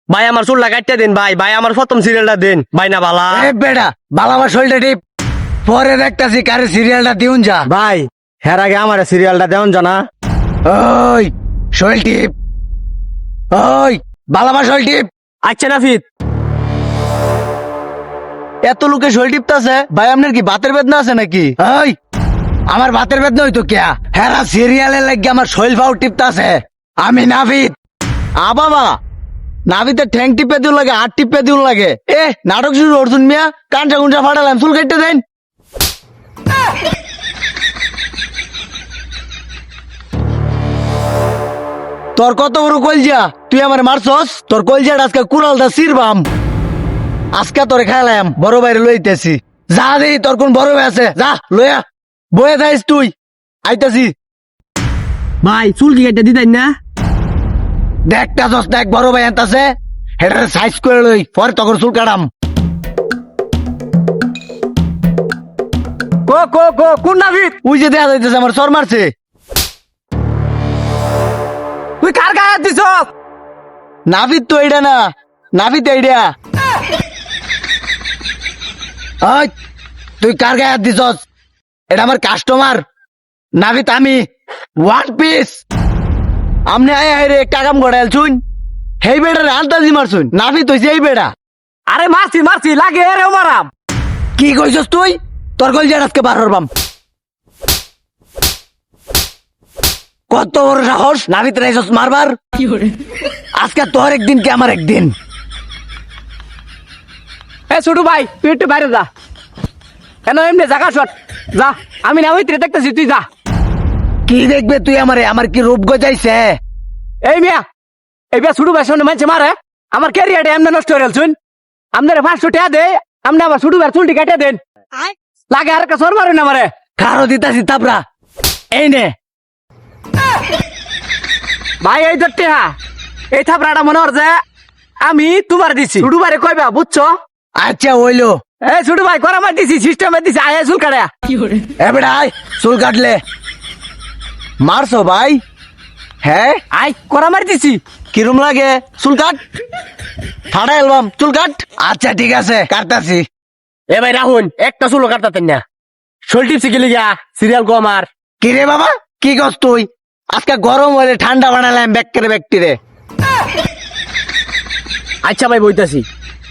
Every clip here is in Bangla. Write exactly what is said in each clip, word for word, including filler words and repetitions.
ভাই আমার চুলটা কাটতে দিন ভাই ভাই আমার প্রথম সিরিয়ালটা দিন ভাই না বালা এ বেটা বালাবার শরীরটা টিপ পরে দেখতাছি কারে সিরিয়ালটা দিউন যা ভাই হের আগে আমার সিরিয়ালটা দেন জানা ওই শরীর টিপ ওই বালাবার শরীর টিপ আচ্ছা নাফিদ এত লোকে শরীর টিপতাছে ভাই আপনার কি বাতের বেদনা আছে নাকি ওই আমার বাতের বেদনা হইতো কেয়া হেরা সিরিয়ালের লাগে আমার শরীর ফাউ টিপতাছে আমি নাভিদ আ বাবা নাভিতে ঠ্যাং টিপে দিও লাগে হাত টিপে দিও লাগে এ নাটক শুরু অর্জুন মিয়া কাঞ্চা কুঞ্চা ফাটালাম চুল কেটে দেন তোর কত বড় কলজা তুই আমার মারছস তোর কলজাটা আজকে কুড়ালটা সিরবাম আজকে তোরে খেলাম বড় বাইরে লইতেছি যা দেই তোর কোন বড় ভাই আছে যা লইয়া বয়ে যাইস তুই আইতাছি ভাই চুল কি কেটে দিতেন না দেখটা দশ দেখ বড় ভাই আনতাছে হেটারে সাইজ করে লই পরে তখন চুল কাটাম কো কো কো কোন নাফিদ ওই যে দেখা যাইতেছে আমার সর মারছে তুই কার গায়ে হাত দিছ নাভিদ তো এইটা না নাভিদ এইটা ওই তুই কার গায়ে হাত দিছস এটা আমার কাস্টমার নাভিদ আমি ওয়ান পিস আমনে আয় আয় রে একটা কাম গড়াইল শুন হেই বেড়া আলতাজি মারছুন নাভিদ হইছে এই বেড়া আরে মারছি মারছি লাগে রে মারাম কি কইছস তুই তোর কল জান আজকে বার হরবাম কত বড় সাহস নাভিদ রাইছস মারবার আজকে তোর একদিন কি আমার একদিন এ ছোট ভাই তুই একটু বাইরে যা কেন এমনি জায়গা শট যা আমি না ওইতে দেখতেছি তুই যা কি দেখবে তুই আমারে আমার কি রূপ গজাইছে এই মিয়া এই মিয়া ছোট ভাই সামনে মানছে মারে আমার ক্যারিয়ারটা এমনি নষ্ট হয়ে গেল আপনারা পাঁচশো টাকা দে আপনি আমার ছোট ভাই চুলটি কেটে দেন লাগে আর একটা সর মারেন না মারে খারো দিতাছি তাপরা এই নে ভাই এই ধরতে হ্যাঁ এই থাপড়াটা মনে হচ্ছে আমি তোমার দিছি ছোট ভাই কইবা বুঝছো আচ্ছা হইলো এই ছোট ভাই করা মার দিছি সিস্টেমে দিছি আয় চুল কাটা এ বেটা আয় চুল কাটলে মারছো ভাই হ্যাঁ আয় করা মার দিছি কিরম লাগে চুল কাট ফাটা অ্যালবাম চুল কাট আচ্ছা ঠিক আছে কাটতাছি এ ভাই রাহুল একটা চুলো কাটতেন না শোল টিপসি গেলি গা সিরিয়াল কো আমার কি রে বাবা কি করছ তুই আজকে গরম হলে ঠান্ডা বানালাম ব্যাকরে ব্যক্তিরে আচ্ছা ভাই বইতাছি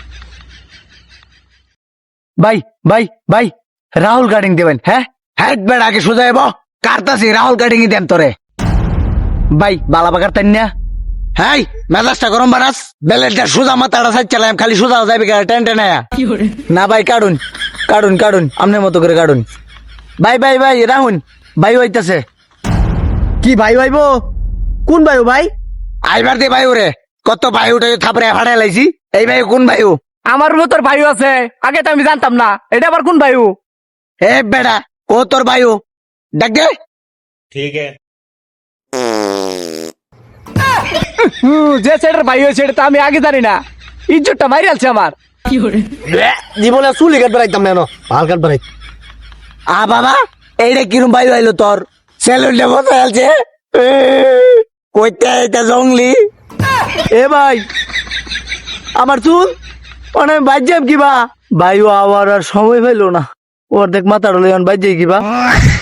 ভাই ভাই ভাই রাহুল কাটিং দেবেন হ্যাঁ হ্যাঁ বেড়া আগে সোজা এবো কাটতাছি রাহুল কাটিং দেন তোরে ভাই বালাবা কাটতেন না হ্যাঁ মেজাজটা গরম বানাস বেলেটটা সোজা মাথাটা সাইড চালাম খালি সোজা যাবে টেন টেন না ভাই কাটুন কাটুন কাটুন আপনার মতো করে কাটুন ভাই ভাই ভাই রাহুল ভাই হইতাছে কি ভাই ভাইবো কোন ভাই ভাই আইবার দে ভাই ওরে কত ভাই উঠে থাপড়ে ফাটাই লাইছি এই ভাই কোন ভাই আমার মতোর ভাই আছে আগে তো আমি জানতাম না এটা আবার কোন ভাই হে বেড়া ও তোর ভাই ডাক দে ঠিক যে সেটার ভাই হয়েছে এটা তো আমি আগে জানি না ইজ্জতটা মারি আলছে আমার জীবনে চুলি কাটবে একদম না ভাল কাটবে আ বাবা এইটা কিরম ভাই হইলো তোর সেলুনটা বসে আছে কইতে এটা জঙ্গলি এ ভাই আমার চুল অনেক বাজ্যাম কিবা ভাইও আবার আর সময় পাইলো না ওর দেখ মাথাটা লইন বাজ্যাই কিবা